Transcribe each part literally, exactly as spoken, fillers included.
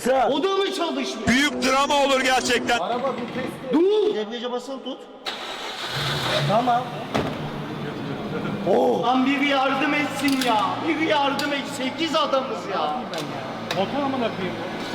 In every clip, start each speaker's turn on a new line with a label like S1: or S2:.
S1: Baksana. O da mı çalışmıyor?
S2: Büyük drama olur gerçekten.
S3: Araba bir test.
S1: Dur. Debriyaja basılı tut. Tamam. Oh. Lan biri yardım etsin ya. Biri yardım et. Sekiz adamız ya.
S3: Motor amına koyayım.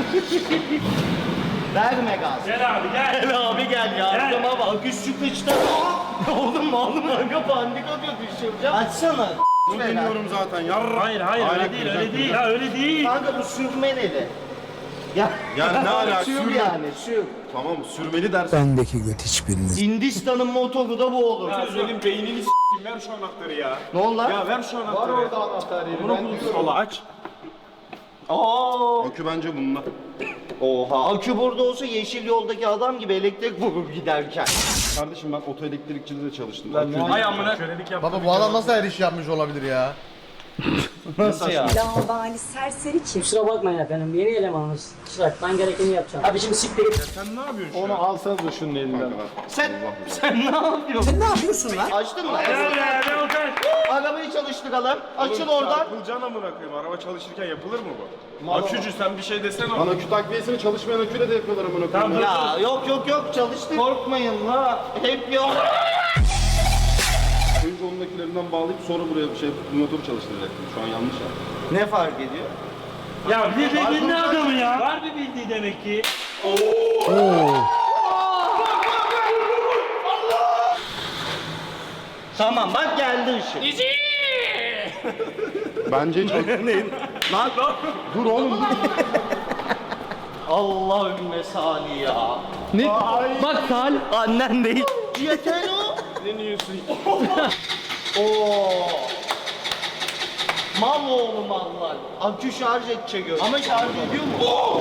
S1: Verme gaz.
S3: Gel abi gel.
S1: Gel abi gel yardıma bak. Üst sıkıştı. Oğlum oğlum aga pandik atıyor düşüreceğim. Açsana.
S4: Bilmiyorum zaten yarra.
S3: Hayır hayır öyle değil öyle değil. Ya öyle değil.
S1: Kanka bu sürmeli. Ya,
S4: Yani ne alaka?
S1: sür
S4: Sürme.
S1: yani sür.
S4: Tamam sürmeli dersin.
S5: Bendeki göt hiçbiriniz.
S1: Hindistan'ın motoru da bu olur.
S4: Ya senin beynini s**eyim, ver şu anahtarı ya.
S1: Ne oldu lan?
S4: Ya ver şu anahtarı. Var orada anahtar yeri. Bunu bul sola aç.
S1: Aa.
S4: Akü bence bununla.
S1: Oha. Akü burada olsa yeşil yoldaki adam gibi elektrik vurur giderken.
S4: Kardeşim ben otoelektrikçide de çalıştım.
S3: Hay amına. Kölelik yap.
S6: Baba bu adam nasıl her iş yapmış olabilir ya?
S1: Nasıl ya?
S7: Lavabali serseri kim? Kusura bakmayın efendim, yeni elemanınız. Kusura bakmayın, ben gerekeni yapacağım. Abi şimdi siktir git.
S4: Sen ne yapıyorsun şu
S3: Onu
S4: an?
S3: alsanıza şunun elinden.
S1: Sen, sen ne yapıyorsun? Sen ne yapıyorsun lan? Açtın mı?
S3: Gel ne olacak?
S1: Arabayı çalıştıralım. Açıl oradan.
S4: Çarpılacaksın amına koyayım. Araba çalışırken yapılır mı bu? Akücü sen bir şey desene. Lan akü takviyesini çalışmayan aküyle de yapıyorlar amına koyayım.
S1: Ya yok yok yok çalıştır. Korkmayın la. Hep yok.
S4: Önce ondakilerinden bağlayıp sonra buraya bir şey motoru çalıştıracaktım. Şu an yanlış yaptım.
S1: Ne fark ediyor?
S3: Ya bir bildiğin ne adamı ya? Var bir bildiği demek ki.
S1: Tamam bak geldi ışık.
S4: Bence çok...
S1: Lan
S4: Dur oğlum dur.
S1: Allahümme sali ya. Ne? Bak sal. Annen değil. Yeter o.
S4: Ne diyorsun?
S1: Oo. Mal oğlum mallar. Akü şarj edecek öyle. Ama şarj ediyor mu?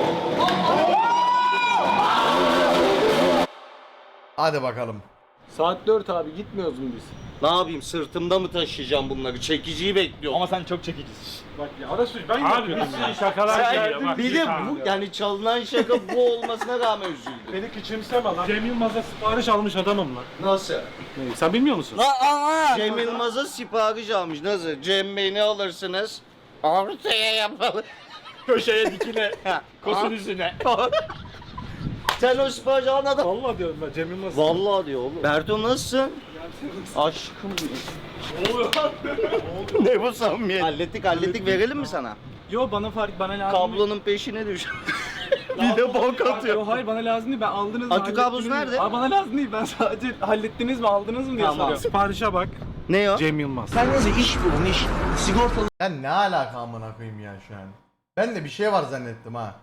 S6: Hadi bakalım.
S3: Saat dört abi gitmiyoruz mu biz?
S1: Ne yapayım sırtımda mı taşıyacağım bunları? Çekiciyi bekliyorum.
S3: Ama sen çok çekicisin.
S4: Bak ya Arasus ben
S3: Abi
S4: yapıyorum
S3: bir
S4: ya.
S3: sürü şakalar geliyor
S1: Sen
S3: bak.
S1: bir de bu yani çalınan şaka bu olmasına rağmen üzüldüm.
S3: Beni küçümseme lan. Cem Yılmaz'a sipariş almış adamım lan.
S1: Nasıl?
S3: Sen bilmiyor musun?
S1: Cem Yılmaz'a sipariş almış. Nasıl? Cem Bey ne alırsınız? Ortaya yapalım.
S3: Köşeye dikine.
S1: Ha.
S3: Kosun üstüne.
S1: Sen o siparişi alan adam.
S3: Vallahi diyorum ben Cem Yılmaz.
S1: Vallahi diyor oğlum. Berto nasılsın? Aşkım benim.
S3: Ne oluyor?
S1: Ne bu samimiyet? Hallettik hallettik verelim mi sana?
S8: Yo bana fark bana lazım.
S1: Kablonun peşine düş. Bir de bok atıyor.
S8: Yo hayır bana lazım değil, ben aldınız mı?
S1: Akü kablosu
S8: hallettiniz mi?
S1: nerede?
S8: Aa, bana lazım değil, ben sadece hallettiniz mi aldınız mı diye
S1: Tamam.
S8: soruyorum.
S3: Siparişe bak.
S1: Ne o?
S3: Cem Yılmaz.
S6: Ben ne alaka amına koyayım ya şu an. Ben de bir şey var zannettim ha.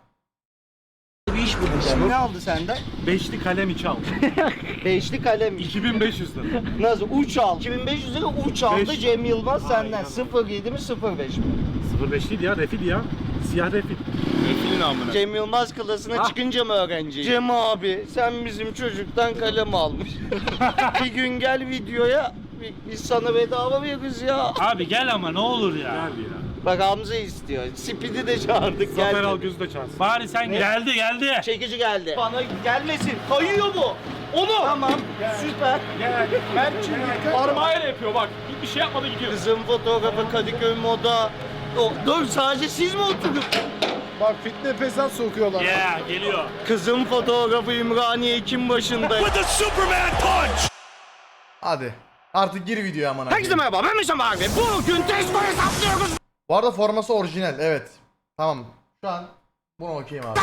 S1: Ne aldı senden?
S3: Beşli kalem içi al.
S1: Beşli kalem.
S3: iki bin beş yüz lira.
S1: Nasıl? Uç al. iki bin beş yüz lira uç aldı
S3: Beş.
S1: Cem Yılmaz senden.
S3: Aynen.
S1: sıfır yedi mi sıfır beş mi?
S3: sıfır beş değil ya, refil ya. Siyah refil.
S4: Refilin amına.
S1: Cem Yılmaz klasına çıkınca mı öğrenci? Cem abi sen bizim çocuktan kalem almış. Bir gün gel videoya bi- biz sana bedava veririz ya.
S3: Abi gel ama ne olur ya. Gel ya.
S1: Bak Hamza istiyor. Speed'i de çağırdık
S3: Zafer
S1: geldi.
S3: Algöz'ü de çağırsın. Bari sen geldi geldi.
S1: Çekici geldi. Bana gelmesin. Kayıyor bu. Onu. Tamam. Süper.
S4: Ben çünkü
S3: Parmağıyla yapıyor bak. Bir şey yapmadı gidiyor.
S1: Kızım fotoğrafı Kadıköy moda. O, dur sadece siz mi oturdunuz?
S4: bak fitne pesat sokuyorlar.
S3: Yeah geliyor.
S1: Kızım fotoğrafı Ümraniye Ekim başında.
S6: Hadi. Artık gir videoya amına
S1: Herkese
S6: koyayım.
S1: merhaba ben Mesut abi. Bugün testo hesaplıyoruz.
S6: Bu arada forması orijinal evet. Tamam. Şu an bunu okuyayım abi.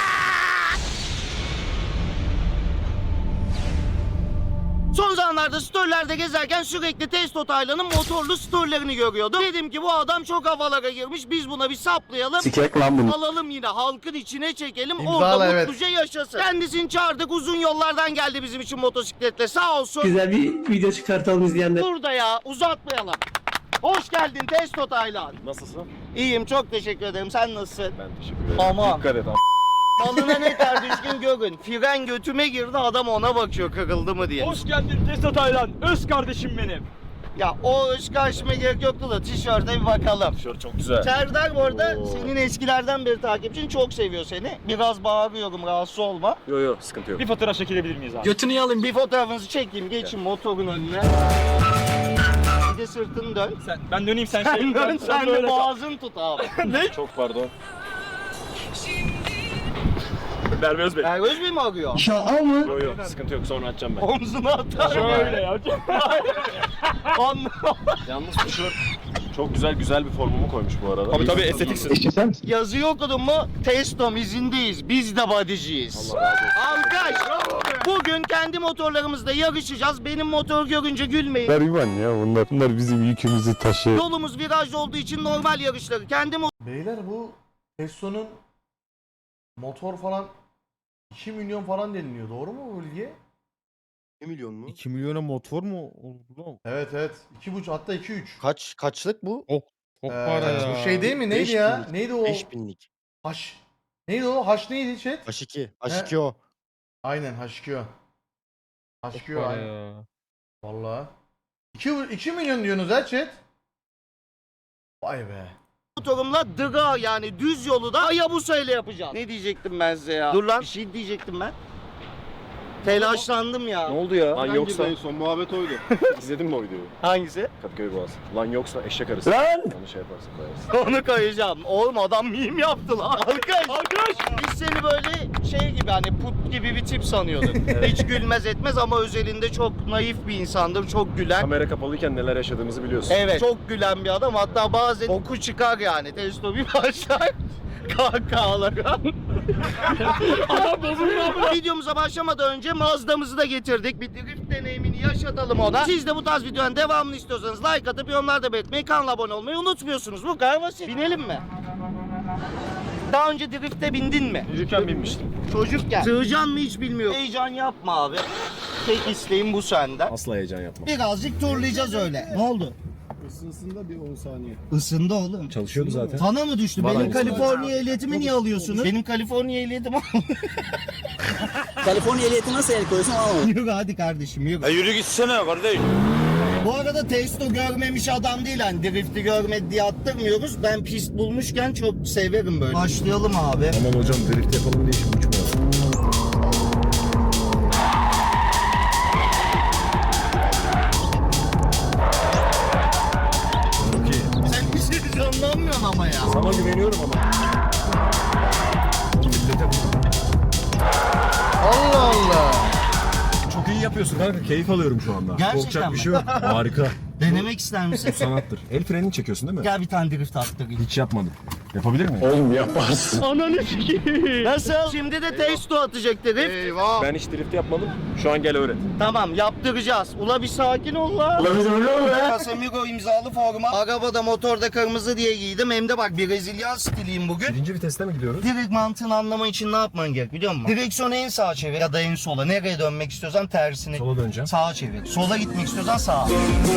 S1: Son zamanlarda storylerde gezerken sürekli Testo Taylan'ın motorlu storylerini görüyordum. Dedim ki bu adam çok havalara girmiş. Biz buna bir saplayalım.
S5: Sikek lan bunu.
S1: Alalım yine halkın içine çekelim.
S6: İmzala,
S1: orada
S6: evet.
S1: mutluca yaşasın. Kendisini çağırdık uzun yollardan geldi bizim için motosikletle sağ olsun.
S8: Güzel bir video çıkartalım izleyenler.
S1: Burada ya uzatmayalım. Hoş geldin Testo Taylan.
S4: Nasılsın?
S1: İyiyim çok teşekkür ederim. Sen nasılsın?
S4: Ben teşekkür ederim.
S1: Aman.
S4: Dikkat et ama.
S1: Malına ne ter düşkün görün. Fren götüme girdi adam ona bakıyor kırıldı mı diye.
S8: Hoş geldin Testo Taylan, öz kardeşim benim.
S1: Ya o öz karşıma gerek yoktu da tişörte bir bakalım.
S4: Tişört çok güzel.
S1: Serdar bu arada
S4: Oo.
S1: senin eskilerden beri takipçin çok seviyor seni. Biraz bağırıyorum rahatsız olma.
S4: Yo yo sıkıntı yok.
S8: Bir fotoğraf çekilebilir miyiz abi?
S1: Götünü alayım bir fotoğrafınızı çekeyim geçin motorun önüne. Bir de sırtını dön.
S8: Sen, ben döneyim sen,
S1: Sen
S8: şey.
S1: dön sen de
S8: böyle kal.
S1: boğazını tut abi.
S4: Çok pardon.
S2: Merve Özbey.
S1: Ergöz Bey mi arıyor?
S2: Yok yok sıkıntı yok sonra açacağım ben.
S1: Omzuna atar.
S8: Şöyle ya.
S1: Anladım.
S4: Yalnız bu şort çok güzel güzel bir formumu koymuş bu arada.
S2: Tabii tabii estetiksin.
S1: Yazıyı okudun mu? Testom izindeyiz. Biz de bodyciyiz. Alkış. Bugün kendi motorlarımızla yarışacağız. Benim motor görünce gülmeyin.
S5: Gariban ya bunlar. Bunlar bizim yükümüzü taşıyor.
S1: Yolumuz virajlı olduğu için normal yarışları. Kendi
S6: Beyler bu Tesla'nın motor falan iki milyon falan deniliyor. Doğru mu bu bilgi?
S1: iki milyon mu?
S5: iki milyona motor mu oldu lan?
S6: Evet evet. iki buçuk hatta iki üç.
S1: Kaç kaçlık bu?
S5: Çok
S6: Ee,
S5: para ya.
S6: Bu şey değil mi? Neydi
S1: Beş
S6: ya?
S1: binlik.
S6: Neydi o?
S1: beş binlik.
S6: Haş. Neydi o? Haş neydi chat?
S1: H iki.
S6: H iki
S1: o.
S6: Aynen H iki o. H
S5: Çok
S6: iki o
S5: para
S6: aynen.
S5: ya.
S6: Valla. iki, iki milyon diyorsunuz ha chat? Vay be.
S1: Motorumla dıga yani düz yolu da Hayabusa ile yapacağım. Ne diyecektim ben size ya? Dur lan. Bir şey diyecektim ben. Telaşlandım ya.
S2: Ne oldu ya? Lan yoksa.
S4: En son muhabbet oydu. İzledin mi o videoyu?
S1: Hangisi?
S4: Kadıköy Boğaz. Lan yoksa eşek arısı.
S1: Lan!
S4: Onu şey yaparsın koyarsın.
S1: Onu koyacağım. Oğlum adam meme yaptı lan. Arkadaş. Arkadaş. Biz seni böyle şey gibi hani put gibi bir tip sanıyorduk. Hiç gülmez etmez ama özelinde çok naif bir insandır. Çok gülen.
S4: Kamera kapalıyken neler yaşadığımızı biliyorsun.
S1: Evet. Çok gülen bir adam. Hatta bazen oku çıkar yani. Testo bir başlar. Kahkahalara. Adam bozuldu. Videomuza başlamadan önce Mazda'mızı da getirdik. Bir drift deneyimini yaşatalım ona. Siz de bu tarz videonun devamını istiyorsanız like atıp yorumlarda belirtmeyi, kanala abone olmayı unutmuyorsunuz. Bu kadar basit. Binelim mi? Daha önce drifte bindin mi?
S4: Çocukken binmiştim.
S1: Çocukken. Sığacan mı hiç bilmiyorum. Heyecan yapma abi. Tek isteğim bu senden.
S4: Asla heyecan yapma.
S1: Birazcık turlayacağız öyle. Ne oldu?
S4: Isınsın bir on saniye.
S1: Isındı oğlum.
S4: Çalışıyordu zaten.
S1: Sana mı düştü? Benim Kaliforniya ehliyetimi niye alıyorsunuz? Benim Kaliforniya ehliyetim
S7: Kaliforniya ehliyeti nasıl el koyuyorsun anlamadım.
S1: Yürü hadi kardeşim yürü.
S2: E yürü gitsene kardeş.
S1: Bu arada Testo görmemiş adam değil hani drifti görmedi diye attırmıyoruz. Ben pist bulmuşken çok severim böyle. Başlayalım abi.
S4: Aman hocam drift yapalım diye şimdi uçma.
S1: Sen bir şey canlanmıyorsun ama ya.
S4: Sana güveniyorum ama.
S6: Allah Allah.
S4: Çok iyi yapıyorsun kanka. Keyif alıyorum şu anda.
S1: Gerçekten
S4: Korkacak
S1: mi?
S4: bir şey yok. Harika.
S1: Denemek ister misin?
S4: Sanattır. El frenini çekiyorsun değil mi?
S1: Gel bir tane drift attırayım.
S4: Hiç yapmadım. Yapabilir miyim? Oğlum yaparsın.
S1: Ananı sikeyim. Nasıl? Şimdi de Testo atacak drift. Eyvah.
S4: Ben hiç drift yapmadım. Şu an gel öğret.
S1: Tamam yaptıracağız. Ula bir sakin ol la. Ula bir öyle ol be. Casemiro imzalı forma. Arabada motorda kırmızı diye giydim. Hem de bak Brezilya stiliyim bugün.
S4: Birinci viteste mi gidiyoruz?
S1: Direkt mantığını anlaman için ne yapman gerek biliyor musun? Direksiyonu en sağa çevir ya da en sola. Nereye dönmek istiyorsan tersine.
S4: Sola döneceğim.
S1: Sağa çevir. Sola gitmek istiyorsan sağa.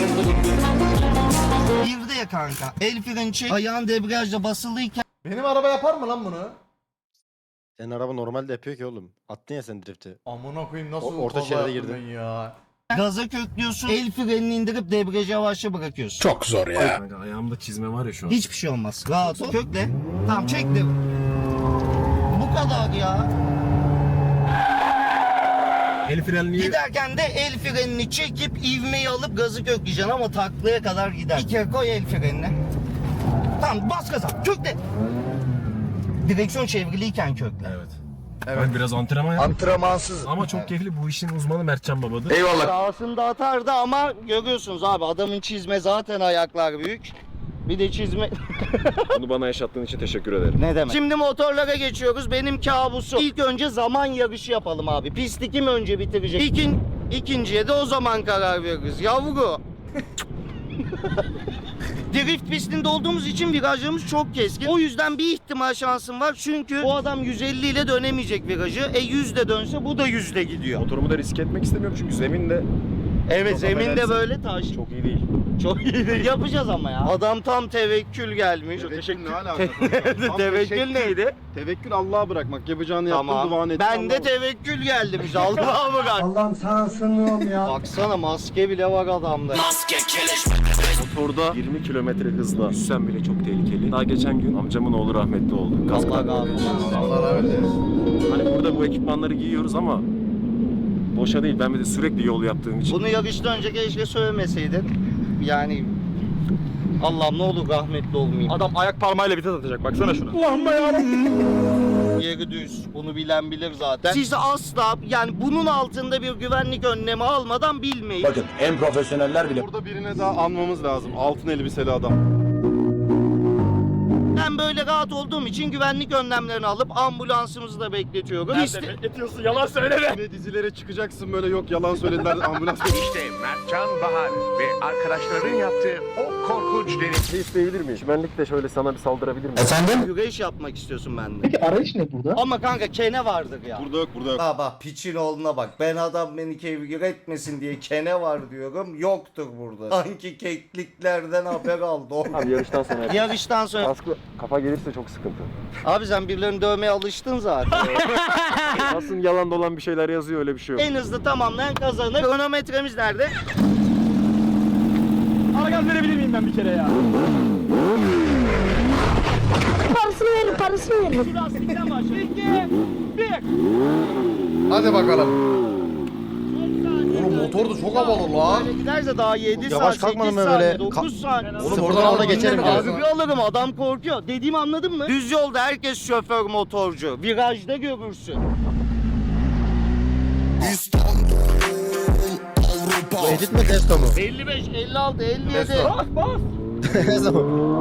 S1: Bir de ya kanka. El freni çek. Ayağın debriyajda basılıyken
S6: Benim araba yapar mı lan bunu?
S9: Senin araba normalde yapıyor ki oğlum. Attın ya sen drifti.
S6: Amına koyayım nasıl
S9: O- orta
S6: kaza
S9: şeride
S6: yaptım
S9: girdim.
S6: ben ya.
S1: gaza köklüyorsun. El frenini indirip debriyajı yavaşça bırakıyorsun.
S5: Çok zor ya.
S4: Kanka ayağımda çizme var ya şu an.
S1: Hiçbir şey olmaz. Rahat ol. Kökle. Tamam çektim. Bu kadar ya.
S4: El frenliği...
S1: Giderken de el frenini çekip ivmeyi alıp gazı kökleyeceksin ama taklaya kadar gider. Bir kere koy el frenini. Tamam bas gaza. Kökle. Direksiyon çevriliyken kökle.
S4: Evet. Ben biraz antrenman yaptım.
S1: Antrenmansız.
S4: Ama çok keyifli. Bu işin uzmanı Mertcan babadır.
S1: Sağsında atardı ama görüyorsunuz abi adamın çizme zaten ayaklar büyük. Bir de çizme...
S4: Bunu bana yaşattığın için teşekkür ederim.
S1: Ne demek? Şimdi motorlara geçiyoruz. Benim kabusum. İlk önce zaman yarışı yapalım abi. Pisti kim önce bitirecek? İkin, ikinciye de o zaman karar veririz. Yavru. Drift pistinde olduğumuz için virajlarımız çok keskin. O yüzden bir ihtimal şansım var. Çünkü bu adam yüz elli ile dönemeyecek virajı. E yüz de dönse bu da yüz de gidiyor.
S4: Motorumu da riske etmek istemiyorum çünkü zemin de
S1: Evet
S4: Çok
S1: zemin de
S4: affedersin.
S1: böyle taş.
S4: çok iyi değil.
S1: Çok iyi değil. Yapacağız ama ya. Adam tam tevekkül gelmiş.
S4: Tevekkül ne alakası?
S1: Tevekkül neydi?
S4: Tevekkül Allah'a bırakmak. Yapacağını yaptın, duanı
S1: Tamam.
S4: ettin.
S1: Ben de tevekkül geldim işte. Allah'a bırak.
S6: Allah'ım sana sığınıyorum ya.
S1: Baksana maske bile var adamda.
S4: Motorda yirmi kilometre hızla yüzsen bile çok tehlikeli. Daha geçen gün amcamın oğlu rahmetli oldu. Gaz
S1: Allah
S4: kalp.
S1: razı olsun.
S6: Allah rahmet eylesin.
S4: Hani burada bu ekipmanları giyiyoruz ama boşa değil. Ben bir de sürekli yol yaptığım için.
S1: Bunu yarıştan önce keşke söylemeseydin. Yani Allah'ım ne olur rahmetli olmayayım.
S8: Adam ayak parmağıyla vites atacak baksana şuna.
S1: Yeri düz. Bunu bilen bilir zaten. Siz asla yani bunun altında bir güvenlik önlemi almadan bilmeyin.
S2: Bakın en profesyoneller bile.
S4: Burada birine daha anmamız lazım. Altın elbiseli adam.
S1: Ben böyle rahat olduğum için güvenlik önlemlerini alıp ambulansımızı da bekletiyorum. İşte...
S2: Bekletiyorsun yalan söyleme.
S4: Yine dizilere çıkacaksın böyle yok yalan söylediler ambulans.
S10: İşte Mertcan Bahar ve arkadaşlarının yaptığı o korkunç deneyim.
S9: Bir isteyebilir miyim? Çimenlikte şöyle sana bir saldırabilir miyim?
S1: Güreş yapmak istiyorsun benden.
S8: Peki arayış ne burada?
S1: Ama kanka kene vardır ya.
S4: Burada yok burada yok.
S1: Ha bak piçin oğluna bak. Ben adam beni kevgir etmesin diye kene var diyorum. Yoktur burada. Sanki kekliklerden haber aldı o.
S9: Abi yarıştan sonra.
S1: Yarıştan sonra.
S9: Kaskı kafa gelirse çok sıkıntı.
S1: Abi sen birilerini dövmeye alıştın zaten.
S9: Aslında yalan dolan bir şeyler yazıyor öyle bir şey yok.
S1: En hızlı tamamlayan kazanır. Kronometremiz nerede?
S8: Ara gaz verebilir miyim ben bir kere ya?
S7: Parasını verin, parasını verin.
S1: Şu lastikten başla. İki, bir.
S6: Hadi bakalım. Oğlum motor da çok havalı lan.
S1: Böyle giderse daha yedi
S9: Yavaş
S1: saat,
S9: kalkmadım
S1: sekiz
S9: ben
S1: saniye,
S9: böyle.
S1: dokuz saniye.
S6: Oğlum
S9: Sıfırdan
S6: oradan
S9: ona
S6: aldım
S9: geçerim
S6: değil mi?
S9: biraz.
S1: Abi bir alırım adam korkuyor. Dediğimi anladın mı? Düz yolda herkes şoför motorcu. Virajda görürsün.
S9: Bu edit mi testo mu?
S1: elli beş, elli altı, elli yedi.
S6: Testo.
S1: Bas bas.
S9: Ne zaman?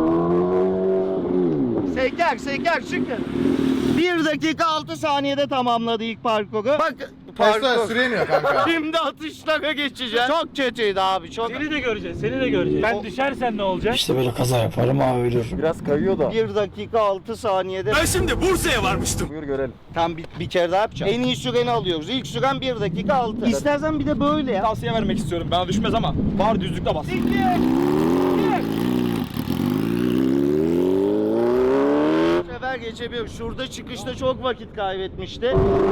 S1: Seker seker çıkın. bir dakika altı saniyede tamamladı ilk parkuru. Bak
S6: Testo
S1: parkur.
S6: süre iniyor kanka.
S1: Şimdi atışlara geçeceğiz. Çok kötüydü abi çok.
S3: Seni de göreceğiz, seni de göreceğiz. Ben düşersen ne olacak?
S8: İşte böyle kaza yaparım abi ölür.
S9: Biraz kayıyor da.
S1: bir dakika altı saniyede.
S2: Ben şimdi Bursa'ya varmıştım.
S9: Buyur görelim.
S1: Tam bir, bir kere daha yapacağım. En iyi süreni alıyoruz. İlk süren bir dakika altı. İstersen bir de böyle ya.
S8: Tavsiye vermek istiyorum. Bana düşmez ama var düzlükte bas.
S1: Bu sefer geçebiliyor. Şurada çıkışta çok vakit kaybetmişti.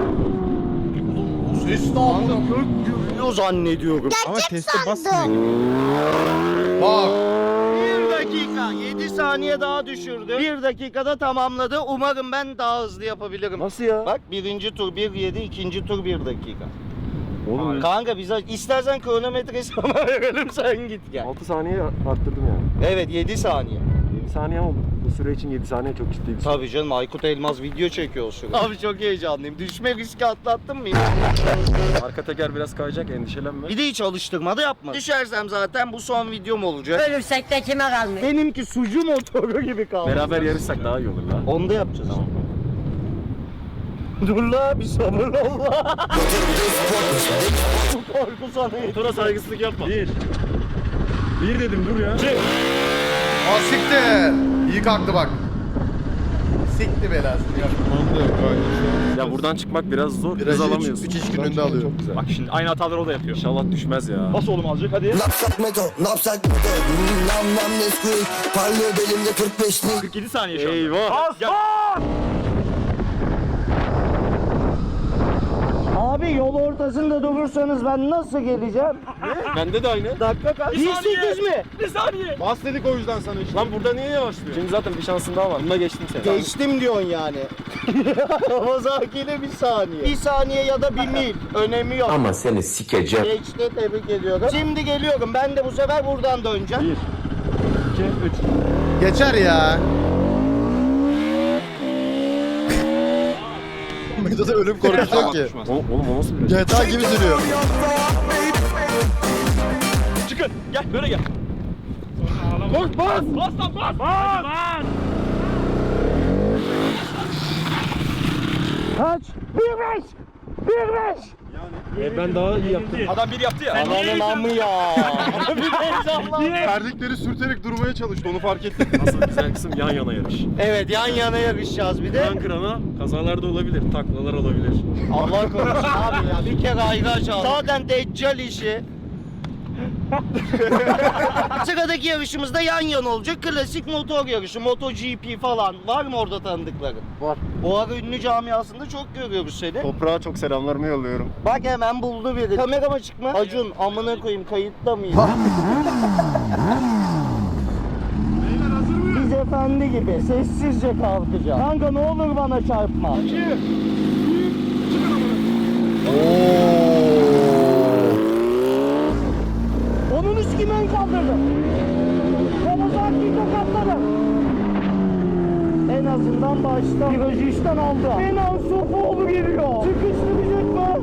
S6: Ses ne yaptın?
S1: Gök gürlüyor zannediyorum.
S5: Ama teste basmıyor gibi.
S6: Bak.
S1: Bir dakika. yedi saniye daha düşürdü. Bir dakikada tamamladı. Umarım ben daha hızlı yapabilirim.
S9: Nasıl ya?
S1: Bak birinci tur bir yedi, ikinci tur bir dakika.
S9: Oğlum
S1: Kanka bize istersen kronometre sana verelim sen git gel.
S9: altı saniye arttırdım yani.
S1: Evet yedi saniye.
S9: yedi saniye oldu. Bu süre için yedi saniye çok ciddi bir süre.
S1: Tabii canım Aykut Elmaz video çekiyor o sırada. Abi çok heyecanlıyım. Düşme riski atlattın mı?
S9: Arka teker biraz kayacak endişelenme.
S1: Bir de hiç alıştırma da yapma. Düşersem zaten bu son videom olacak.
S7: Ölürsek de kime kalmış?
S1: Benimki sucu motoru gibi kaldı.
S9: Beraber yarışsak daha iyi olur la.
S1: Onu da yapacağız. Dur la bir sabır ol la. Bu korku sana yeter.
S9: Motora saygısızlık yapma. Bir. Bir dedim dur ya.
S6: Aa siktir. İyi kalktı bak. Sikti belası.
S9: Ya buradan çıkmak biraz zor. Hız
S5: Virajı
S9: alamıyorsun.
S5: üç- üç iş
S9: Buradan
S5: gününde
S9: çıkmak
S5: alıyorum.
S9: Çok güzel.
S8: Bak şimdi aynı hataları o da yapıyor.
S9: İnşallah düşmez ya.
S8: Bas oğlum azıcık hadi. kırk yedi saniye şu anda.
S9: Eyvah.
S8: Bas
S9: Gel.
S8: bas!
S1: Abi yol ortasında durursanız ben nasıl geleceğim?
S9: Bende de aynı.
S1: Dakika kaç? bir sekiz mi?
S8: Bir saniye.
S4: Bas dedik o yüzden sana işte.
S9: Lan burada niye yavaşlıyor? Şimdi zaten bir şansın daha var. Bunda geçtim seni.
S1: Geçtim diyorsun yani. Kawasaki bir saniye. Bir saniye ya da bir mil. Önemi yok.
S2: Ama seni sikeceğim.
S1: Geçti tebrik ediyorum. Şimdi geliyorum. Ben de bu sefer buradan döneceğim.
S9: Bir. İki, üç.
S6: Geçer ya.
S5: Medo'da ölüm korkusu yok ki.
S9: O, oğlum o nasıl bir
S5: G T A gibi sürüyor.
S8: Çıkın. Gel böyle gel. Koş bas. Bas lan bas. Bas. Bas.
S1: Kaç? Bir beş. Bir beş.
S9: E, ben daha iyi yaptım.
S8: Adam bir yaptı ya.
S1: Ananın amı ya. Bir de heyecanlandım.
S4: Terlikleri sürterek durmaya çalıştı onu fark ettim.
S9: Asıl güzel kısım yan yana yarış.
S1: Evet yan yana yarışacağız bir de.
S9: Kıran kırana kazalar da olabilir, taklalar olabilir.
S1: Allah korusun abi ya. Bir kere ayraç al. Zaten deccal işi. Sıradaki yarışımızda yan yana olacak. Klasik motor yarışı. MotoGP falan. Var mı orada tanıdıkların?
S9: Var.
S1: Bu ara ünlü camiasında çok görüyoruz seni.
S9: Toprağa çok selamlarımı yolluyorum.
S1: Bak hemen buldu biri. Kamerama çıkma. Acun amına koyayım kayıtta mıyım? Biz efendi gibi sessizce kalkacağız. Kanka ne olur bana çarpma. Onun üstü ben kaldırdım. Kawasaki'yi tokatladım. En azından Tam başta virajı işten aldı. Kenan Sofoğlu geliyor. Sıkıştıracak mı?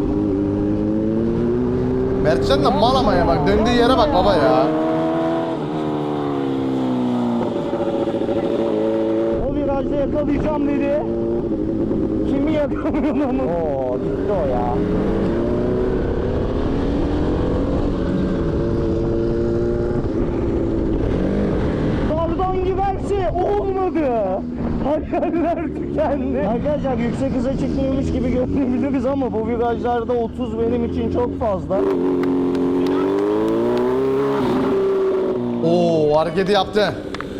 S6: Mertcan da mal ama ya bak döndüğü yere bak baba ya.
S1: O virajda yakalayacağım dedi. Kimi yakalıyor onu? Oo gitti o ya. Kardan giderse olmadı. Hayaller tükendi. Arkadaşlar yüksek hıza çıkmıyormuş gibi görünebiliriz ama bu virajlarda otuz benim için çok fazla.
S6: Oo hareketi yaptı.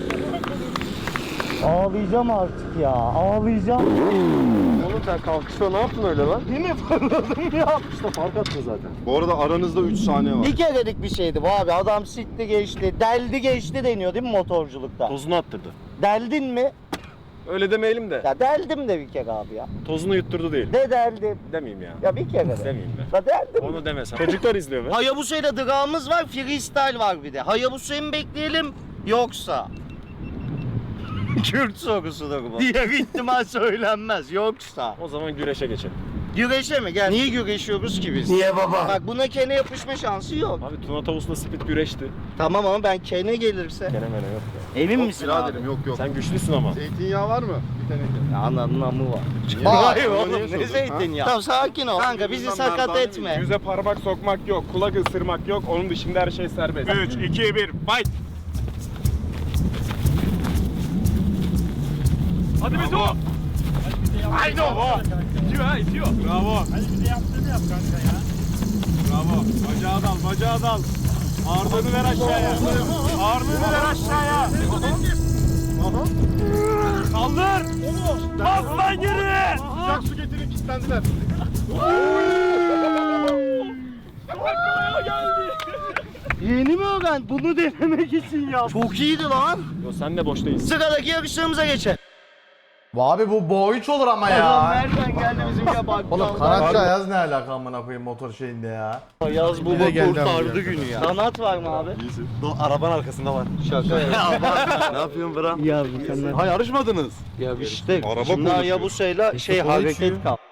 S1: Ağlayacağım artık ya, ağlayacağım.
S4: Oğlum sen kalkışta ne yaptın öyle lan?
S1: Değil mi fırladım ya?
S4: İşte fark attın zaten. Bu arada aranızda üç saniye var.
S1: Bir kerelik bir şeydi bu abi. Adam sikti geçti, deldi geçti deniyor değil mi motorculukta?
S4: Tozunu attırdı.
S1: Deldin mi?
S4: Öyle demeyelim de.
S1: Ya deldim de bir kere abi ya.
S4: Tozunu yutturdu değil.
S1: De deldim.
S4: Demeyeyim ya.
S1: Ya bir kere de.
S4: Demeyeyim be.
S1: Ya deldim.
S4: Onu demesem. Çocuklar izliyor be.
S1: Hayabusa'yla drağımız var, freestyle var bir de. Hayabusa'yı mı bekleyelim yoksa? Kürt sorusudur bu. Diğer ihtimal söylenmez yoksa.
S4: O zaman güreşe geçelim.
S1: Güreşe mi? Gel. Niye güreşiyoruz ki biz? Niye baba? Bak buna kene yapışma şansı yok.
S4: Abi Tuna Tavus'la Spit güreşti.
S1: Tamam ama ben kene gelirse.
S4: Gene mene yok ya.
S1: Emin misin abi?
S4: Biraderim yok yok. Sen güçlüsün ama.
S5: Zeytinyağı var mı? Bir teneke.
S1: Ya ananın amı var.
S5: Niye?
S1: Hayır
S5: Ama
S1: oğlum
S5: niye
S1: ne
S5: sordun,
S1: zeytinyağı? Tamam sakin ol. Kanka bizi sakat etme.
S4: Yüze parmak sokmak yok, kulak ısırmak yok. Onun dışında her şey serbest. üç, iki, bir, fight!
S8: Hadi Beto. Haydi o. İtiyor ha itiyor.
S4: Bravo.
S3: Hadi bize yaptığını yap kanka ya.
S4: Bravo. Bacağı dal, bacağı dal. Ağırlığını ver aşağıya. Ağırlığını ver aşağıya.
S8: Kaldır. Bas lan geri.
S4: Sıcak su getirin, kilitlendiler.
S1: Yeni mi öğren? Bunu denemek için ya. Çok iyiydi lan.
S4: Yo sen de boş değilsin.
S1: Sıradaki yarışlarımıza geçelim.
S6: Bu abi bu boy üç olur ama
S1: Adam
S6: ya.
S1: nereden geldi bizimki bak.
S6: Oğlum kanatçı Ayaz ne alaka amına koyayım motor şeyinde ya.
S1: Yaz bu
S5: Yine geldi
S1: kurtardı
S5: abi.
S1: günü ya. Kanat var mı abi?
S5: Arabanın arkasında var.
S1: Şaka ya.
S5: Ne yapıyorsun Bra?
S1: Ya mükemmel.
S5: Ha yarışmadınız.
S1: Ya işte
S4: Araba
S1: şimdi
S4: konuşuyor.
S1: Hayabusa'yla şey
S5: kola
S1: hareket
S5: içiyor.
S1: kal.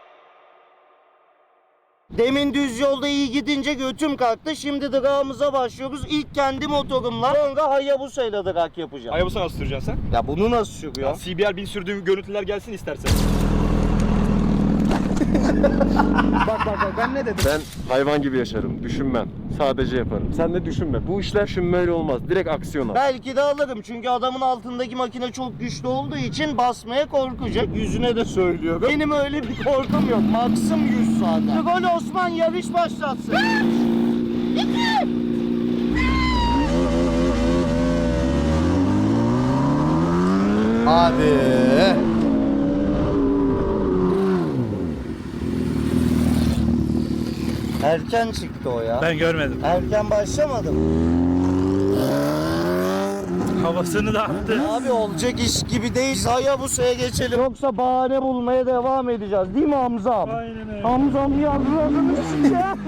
S1: Demin düz yolda iyi gidince götüm kalktı. Şimdi drağımıza başlıyoruz. İlk kendi motorumla, sonra Hayabusa'yla drag yapacağım.
S8: Hayabusa nasıl süreceksin sen?
S1: Ya bunu nasıl sürüyor?
S8: C B R bin sürdüğüm görüntüler gelsin istersen.
S1: Bak bak bak ben ne dedim?
S4: Ben hayvan gibi yaşarım, düşünmem. Sadece yaparım. Sen de düşünme. Bu işler düşünmeyle olmaz. Direkt aksiyona.
S1: Belki de alırım çünkü adamın altındaki makine çok güçlü olduğu için basmaya korkacak. Yüzüne de söylüyorum. Benim öyle bir korkum yok. Maksim yüz zaten. Gol Osman yarış başlatsın.
S6: Hadi.
S1: Erken çıktı o ya.
S3: Ben görmedim.
S1: Erken başlamadım.
S3: Havasını da attı.
S1: Abi olacak iş gibi değil. Hayabusa'ya geçelim. Yoksa bahane bulmaya devam edeceğiz. Değil mi Hamzam?
S3: Aynen öyle.
S1: Hamzam yavrularını sikeceğim.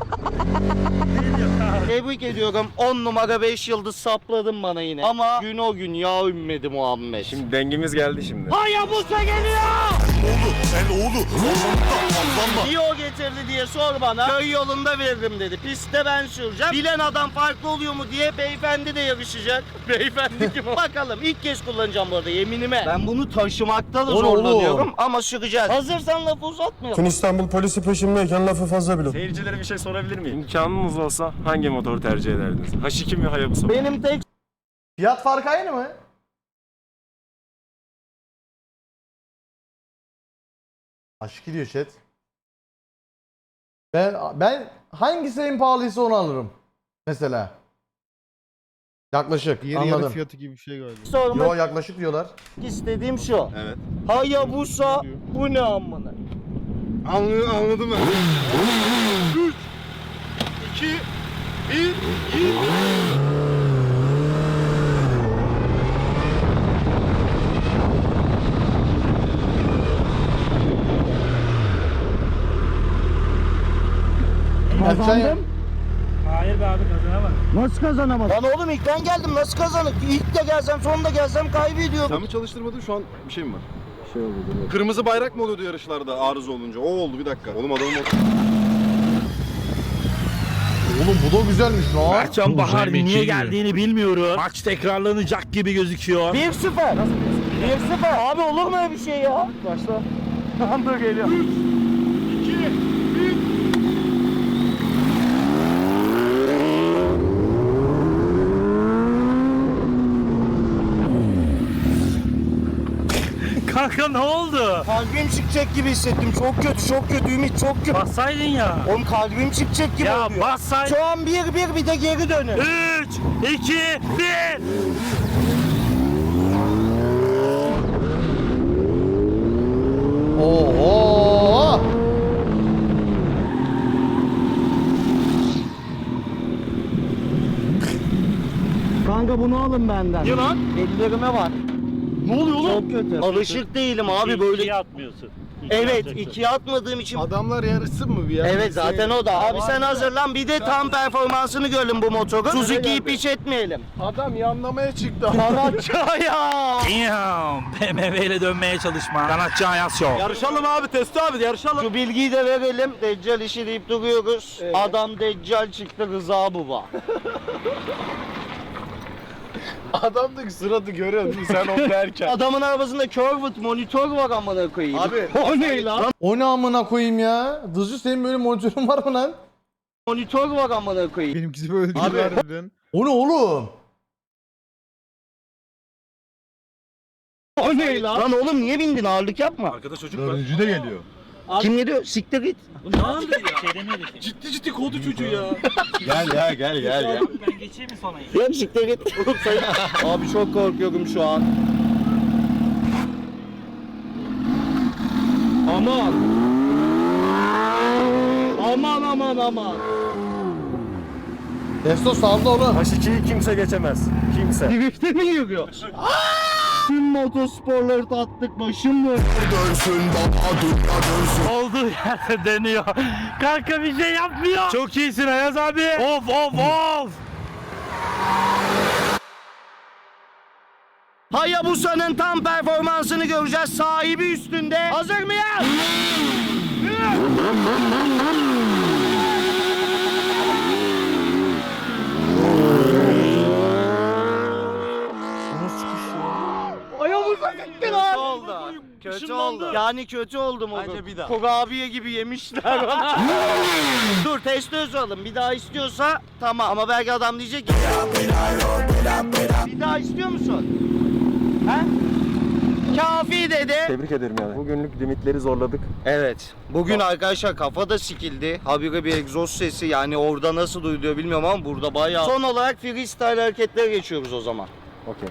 S1: Tebrik ediyorum. on numara beş yıldız sapladın bana yine. Ama gün o gün ya ümmedi Muhammed.
S4: Şimdi dengimiz geldi şimdi.
S1: Hayabusa geliyor!
S5: Oğlu. Sen oğlu.
S1: Niye o getirdi diye sor bana. Köy yolunda veririm dedi. Pistte ben süreceğim. Bilen adam farklı oluyor mu diye beyefendi de yarışacak. Beyefendi kim o? Bakalım ilk kez kullanacağım bu arada yeminime. Ben bunu taşımakta da
S6: Oğlum,
S1: zorlanıyorum
S6: oğlum.
S1: ama süreceğiz. Hazırsan lafı uzatmayalım.
S5: Tüm İstanbul polisi peşimdeyken lafı fazla bile.
S4: Seyircilere bir şey sorabilir miyim? İmkanınız olsa hangi motoru tercih ederdiniz? H iki mi Hayabusa mı?
S1: Benim tek
S6: Fiyat farkı aynı mı? Aşk gidiyor chat. Ben ben hangisi en pahalıysa onu alırım. Mesela. Yaklaşık.
S5: Yeri yarı
S6: Anladım.
S5: fiyatı gibi bir şey galiba.
S1: sormak
S6: Yo yaklaşık diyorlar.
S1: istediğim şu.
S5: Evet.
S1: Hayabusa bu ne amına?
S5: Anladım, anladım ben. üç, iki, bir, git.
S1: Kazandım.
S3: Hayır be abi kazanamaz.
S1: Nasıl kazanamadım? Lan oğlum ilk ben geldim nasıl kazanık? İlk de gelsem sonunda gelsem kaybediyorum.
S5: Sen mi çalıştırmadın şu an bir şey mi var? şey oldu. Kırmızı bayrak mı oluyordu yarışlarda arıza olunca? O oldu bir dakika. Oğlum adamın
S6: Oğlum bu da güzelmiş lan.
S8: Mertcan Bahar niye geldiğini bilmiyorum. Maç tekrarlanacak gibi gözüküyor.
S1: bir sıfır. bir sıfır. Abi olur mu öyle bir şey ya? Başla. Tamam dur geliyor.
S8: Kanka ne oldu?
S1: Kalbim çıkacak gibi hissettim. Çok kötü, çok kötü Ümit, çok kötü.
S8: Bassaydın ya.
S1: Oğlum kalbim çıkacak gibi
S8: Ya
S1: oluyor.
S8: bassaydın.
S1: Şu an bir bir bir de geri dönün.
S8: üç, iki, bir.
S6: Oho!
S1: Kanka bunu alın benden.
S8: Ne lan?
S1: Ellerime var.
S8: Ne oluyor oğlum?
S1: Çok kötü. Alışık değilim abi böyle.
S8: atmıyorsun.
S1: Evet, ikiye atmadığım için.
S5: Adamlar yarışsın mı bir ya?
S1: Evet zaten o da. Abi sen hazırlan bir de tam performansını görelim bu motorun. Suzuki'yi piç etmeyelim.
S5: Adam yanlamaya çıktı.
S1: Sanatçı ya.
S8: Damn. B M W ile dönmeye çalışma. Sanatçı Ayas Show.
S5: Yarışalım abi Testo abi yarışalım.
S1: Şu bilgiyi de verelim. Deccal işi deyip duruyoruz. Adam Deccal çıktı Rıza Baba.
S5: Adamdık sıradı görüyor musun sen onu derken.
S1: Adamın arabasında curved monitör var amına koyayım.
S5: Abi
S1: O ne lan?
S6: O ne amına koyayım ya? Dızcı senin böyle monitörün var mı lan?
S1: Monitör var amına koyayım.
S5: benimkisi böyle değil
S6: Abi.
S5: harbiden.
S6: O ne oğlum?
S1: O ne lan? Lan oğlum niye bindin ağırlık yapma.
S5: Arkada çocuk var. Dördüncü de geliyor.
S1: Kim geliyor? Siktir git.
S8: Ne oldu ya? Şey demedik.
S5: Ciddi ciddi kovdu çocuğu ya.
S9: Gel ya gel gel gel.
S8: Ben geçeyim mi sonra?
S1: Yok siktir git. Oğlum sen- Abi çok korkuyorum şu an. Aman. Aman aman aman.
S6: Testo saldı oğlum.
S9: H ikiyi kimse geçemez. Kimse.
S1: Drift'e mi yürüyor? Tüm motosporları tattık başım mı?
S8: Olduğu yerde dönüyor. Kanka bir şey yapmıyor. Çok iyisin Ayaz abi. Of of of.
S1: Hayabusa'nın tam performansını göreceğiz. Sahibi üstünde. Hazır mıyız? Hayabusa gitti lan. Kötü oldu. Kötü oldu. Yani kötü oldu mu?
S9: Bence bir daha.
S1: Kurabiye gibi yemişler. Dur testi yazalım. Bir daha istiyorsa tamam. Ama belki adam diyecek ki. Bir daha istiyor musun? He? Kafi dedi.
S9: Tebrik ederim yani. Bugünlük limitleri zorladık.
S1: Evet. Bugün arkadaşlar kafa da sikildi. Habire bir egzoz sesi yani orada nasıl duyuluyor bilmiyorum ama burada bayağı. Son olarak freestyle hareketlere geçiyoruz o zaman.
S9: Okey.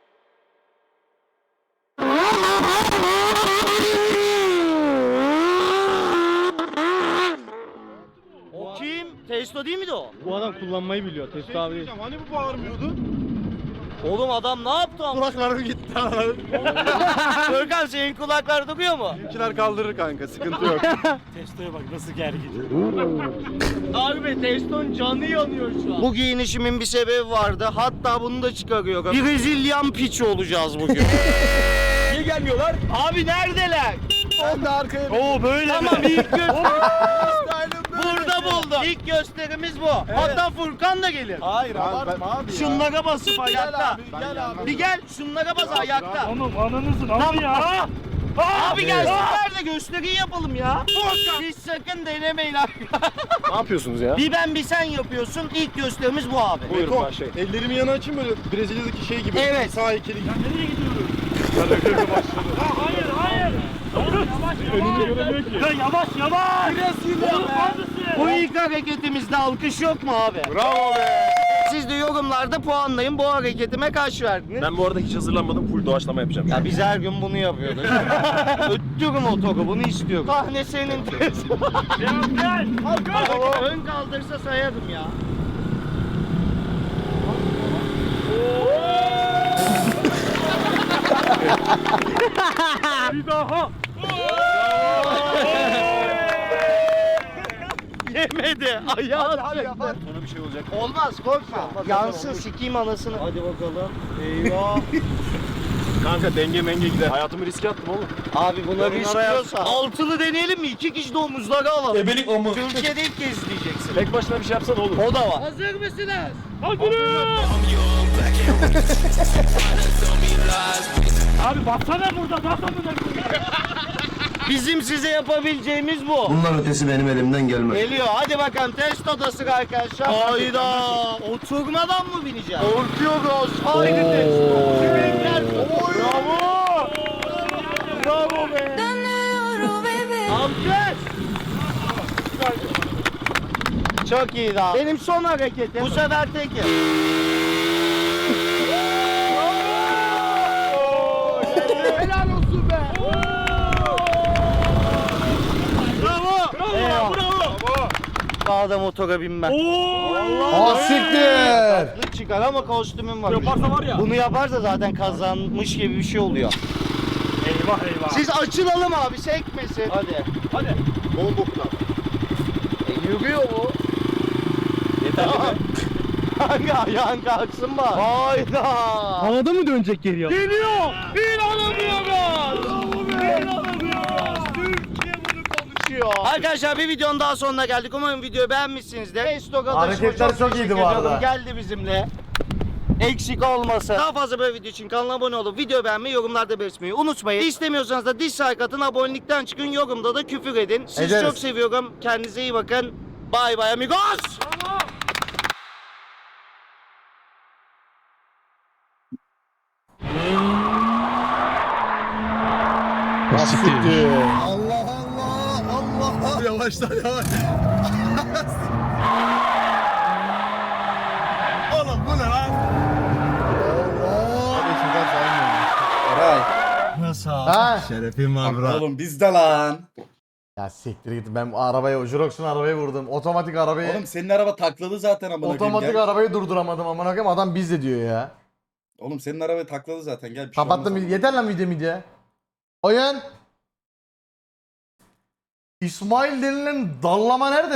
S1: O kim? Testo değil miydi o?
S5: Bu adam kullanmayı biliyor Testo abi değil. Hani bu bağırmıyordu?
S1: Oğlum adam ne yaptı ama?
S5: Kulaklarım gitti.
S1: Görkem senin kulaklar duyuyor mu?
S5: Bizimkiler kaldırır kanka sıkıntı yok.
S8: Testoya bak nasıl gergin.
S1: Abi Testo'nun canı yanıyor şu an. Bu giyinişimin bir sebebi vardı. Hatta bunu da çıkarıyorum. Brezilyan piçi olacağız bugün.
S8: Niye gelmiyorlar?
S1: Abi neredeler?
S5: Ben de arkaya
S8: Oo böyle
S1: Tamam
S8: mi?
S1: ilk gösterimiz burada buldum. İlk gösterimiz bu. Hatta Furkan da gelir.
S5: Hayır abartma abi ya.
S1: Şunlara basıp ayakta.
S5: abi, gel abi.
S1: Bir gel şunlara bas ayakta.
S8: Oğlum ananızın ama ya.
S1: Abi gelsinler de gösteriyi yapalım ya. Siz sakın denemeyin abi.
S9: Ne yapıyorsunuz ya?
S1: Bir ben bir sen yapıyorsun. İlk gösterimiz bu abi.
S9: Buyurun başlayın.
S5: Ellerimi yana açayım böyle Brezilya'daki şey gibi.
S1: Evet.
S5: Sağ heykeli gibi.
S8: Nereye gidiyoruz? Ya hayır hayır. Önünde göremiyor ki. Ya yavaş yavaş. Oğlum neredesin?
S1: Bu ilk hareketimizde alkış yok mu abi?
S5: Bravo be.
S1: Siz de yorumlarda puanlayın. Bu hareketime kaç verdiniz?
S9: Ben bu arada hiç hazırlanmadım. Full doğaçlama yapacağım.
S1: Ya biz her gün bunu yapıyoruz. Öttürüm otoru bunu istiyorum. Sahne senin tez.
S8: Gel gel.
S1: Ön kaldırsa sayarım ya.
S8: Bir daha.
S1: Yemedi. Ayağı
S5: Hadi
S1: attı.
S5: yapar.
S9: Sonra bir şey olacak.
S1: Olmaz korkma. Yansın sikeyim anasını. Hadi bakalım. Eyvah.
S4: Kanka denge menge gider. Hayatımı riske attım oğlum.
S1: Abi buna
S4: Yorumlara
S1: risk
S4: yaz.
S1: diyorsa altılı deneyelim mi? İki kişi de omuzları alalım.
S6: Ebelik o mu?
S1: Türkiye'de ilk kez izleyeceksin.
S4: Tek başına bir şey yapsan olur.
S1: O da var.
S8: Hazır mısınız? Abi baksana burada nasıl mı?
S1: Bizim size yapabileceğimiz bu.
S2: Bunlar ötesi benim elimden gelmez.
S1: Geliyor. Hadi bakalım test odası arkadaşlar. Hayda. Oturmadan mı bineceğim? Korkuyoruz. Haydi test. Kiminler? Bravo. Bravo be. Alkış. Çok iyi daha. Benim son hareketim. Bu sefer tekim. Helal olsun be. Bravo. Bravo. Bravo. Daha da motora binmem.
S6: Aa siktir.
S1: Tatlı çıkar ama kostümüm var.
S8: Yaparsa var ya.
S1: Bunu yaparsa zaten kazanmış gibi bir şey oluyor.
S8: Eyvah eyvah.
S1: Siz açılalım abi, sekmesin. Hadi.
S8: Hadi.
S4: Bomboktan.
S1: E, yürüyor bu.
S4: Yeterli mi?
S1: Kanka ayağın kalksın bak. Hayda.
S3: Havada mı dönecek geriye?
S1: Geliyor. İnanamıyoruz. İnanamıyoruz. Türkiye bunu konuşuyor. Arkadaşlar bir videonun daha sonuna geldik. Umarım videoyu beğenmişsinizdir. Resto
S6: Hareketler çok iyiydi bu arada.
S1: Geldi bizimle. Eksik olmasın. Daha fazla böyle video için kanala abone olup video beğenmeyi, yorumlarda belirtmeyi unutmayın. İstemiyorsanız da dislike atın, abonelikten çıkın, yorumda da küfür edin. Sizi
S6: Ederiz.
S1: çok seviyorum. Kendinize iyi bakın. Bye bye amigos.
S6: Siktir.
S5: Allah Allah Allah. Yavaşlar yavaş. Oğlum bu ne lan?
S6: Nasıl? Ha?
S5: Şerefim var bro.
S11: Oğlum bizde lan.
S6: Ya siktir git, ben arabaya, Jurox'un arabayı vurdum. Otomatik arabayı,
S11: Oğlum senin araba takladı zaten amına koyayım.
S6: otomatik
S11: Gel.
S6: arabayı durduramadım amına koyayım, adam bizde diyor ya.
S11: Oğlum senin araba takladı zaten gel. Bir şey
S6: Kapattım,
S11: olmaz.
S6: yeter lan video midye. Oyun. İsmail denilen dallama nerede?